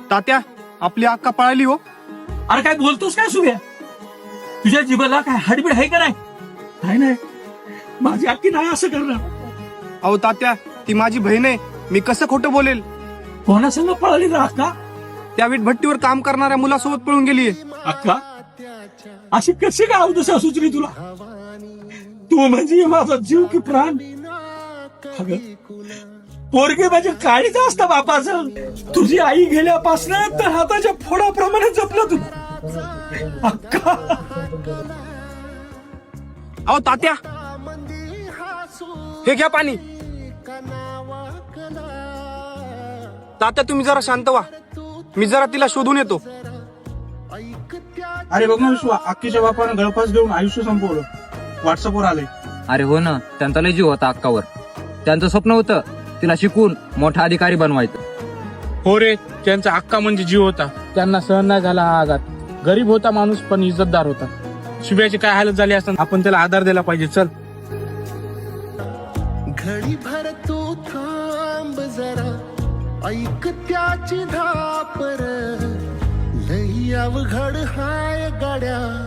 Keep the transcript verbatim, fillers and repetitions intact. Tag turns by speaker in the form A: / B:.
A: तात्या, आपली अक्का पळाली हो.
B: अरे काय बोलतोस काय सुभ्या? तुझ्या जीवाला काय हाडबीड आहे का नाही? नाही नाही, माझी अक्की नाही असं करणार.
A: अहो तात्या, ती माझी बहीण आहे, मी कसं खोटं बोलेल?
B: कोणासंग पळाली ना अक्का?
A: त्या वीटभट्टीवर काम करणाऱ्या मुलासोबत पळून गेलीये.
B: अक्का अशी कशी काय अवदसा सुचली तुला? तू म्हणजे माझा जीव की प्राण. अगं पोरगे म्हणजे काळीच असतं बापाचं. तुझी आई गेल्यापासून तर हाताच्या फोडाप्रमाणे जपलं तू अक्का.
A: अहो तात्या, हे घ्या पाणी. तात्या तुम्ही जरा शांत व्हा, मी जरा तिला शोधून येतो.
B: अरे बघ ना विश्वा, अक्कीच्या बापानं गळफास घेऊन आयुष्य संपवलं. व्हॉट्सअपवर आले.
C: अरे हो ना, त्यांचा लय जीव होता अक्कावर. त्यांचं स्वप्न होतं तिला शिकून मोठा अधिकारी बनवायचं.
D: हो रे, त्यांचा अक्का म्हणजे जीव होता. त्यांना सहन नाही झाला हा आघात. गरीब होता माणूस पण इज्जतदार होता. शुभ्याची काय हालत झाली असताना आपण त्याला आधार दिला पाहिजे. चल
E: घडी भर तू थांब जरा, ऐक त्याची धापर, लई अवघड हाय गाड्या.